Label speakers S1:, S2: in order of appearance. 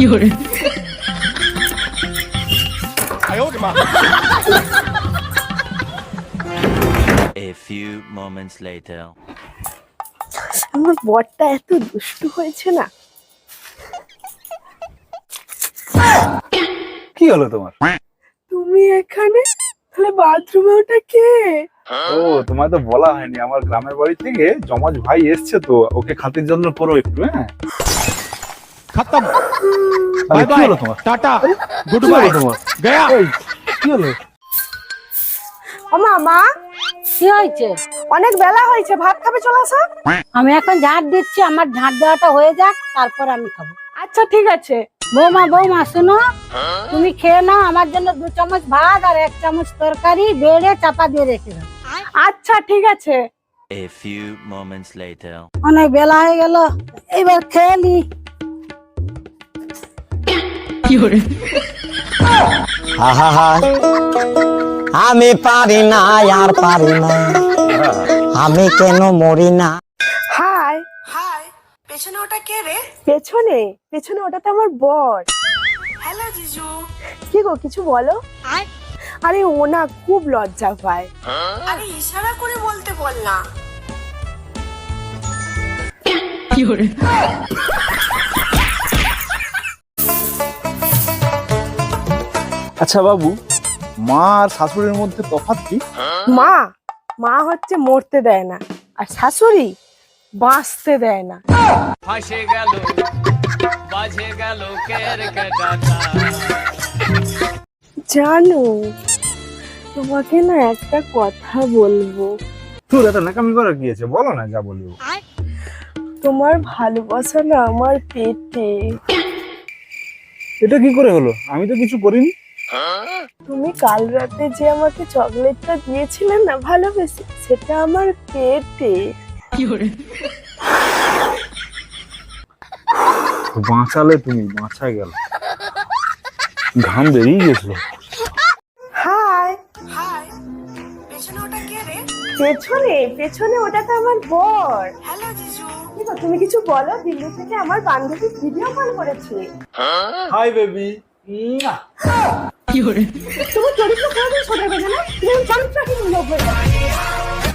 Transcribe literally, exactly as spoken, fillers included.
S1: A few moments later.
S2: আমার বরটা এত দুষ্টু হয়েছে না।
S3: কি হলো তোমার?
S2: তুমি এখানে, তাহলে বাথরুমে ওটা কে?
S3: ও, তোমায় তো বলা হয়নি, আমার গ্রামের বাড়ি থেকে জমাজ ভাই এসছে, তো ওকে খাতির জন্য করো একটু। হ্যাঁ,
S4: खत्म
S3: আরে
S4: बाय
S3: কি
S4: बाय
S3: হলো তোমার?
S4: टाटा गुड
S3: কি হলো
S4: बाय
S3: তোমার?
S4: गया
S3: এই, কি হলো?
S2: ও মামা,
S5: কি হয়েছে?
S2: অনেক বেলা হয়েছে, ভাত খাবে, চলে আসো।
S5: আমি এখন ঝাঁট দিচ্ছি, আমার ঝাঁট দেওয়াটা হয়ে যাক, তারপর আমি খাবো।
S2: আচ্ছা ঠিক আছে।
S5: বৌমা বৌমা শুনো, তুমি খেয়ে নাও, আমার জন্য দু চামচ ভাত আর এক চামচ তরকারি বেড়ে চাপা দিয়ে রেখে দাও।
S2: আচ্ছা ঠিক আছে।
S1: A few moments later.
S5: অনেক বেলা হয়ে গেল, এবার খেয়ে নি।
S6: আমি পারি না, আর পারি না, আমি কেন মরি না।
S2: হাই হাই, পেছনে ওটা কে রে? পেছনে পেছনে ওটা তো আমার বর। হ্যালো জিজু। কি গো, কিছু বলো। আরে ও না খুব লজ্জা পায়। আরে ইশারা করে বলতে বল না।
S3: আচ্ছা বাবু, মা আর শাশুড়ির মধ্যে তফাৎ কি?
S2: মা মা হচ্ছে মরতে দেয় না, আর শাশুড়ি বাঁচতে দেয় না।
S7: ফাঁসে গেল বাজে গেল কেরকেটাটা।
S2: জানো, তোমাকে না একটা কথা বলবো।
S3: তোর এত নাকামি করার কি আছে, বলো না, যা বলবো।
S2: তোমার ভালোবাসা না আমার পেটে।
S3: এটা কি করে হলো? আমি তো কিছু করিনি।
S2: তুমি কাল রাতে যে আমাকে চকলেটটা দিয়েছিলে না ভালোবেসে, সেটা আমার পেটে।
S3: বাঁচালে তুমি, বাঁচায় গেল, ঘাম বেরিয়ে গেছিল।
S2: হাই হাই, পেছনে ওটা কে রে? পেছনে পেছনে ওটা তো আমার বর। হ্যালো জিজু। কি গো, তুমি কিছু বলো। দিল্লি থেকে আমার বান্ধবী ভিডিও কল করেছে।
S3: Hi baby.
S2: তুমি চরিত্র কোনোদিন শোনাবে না, তুমি চরিত্রহীন লোক হয়ে যাবে।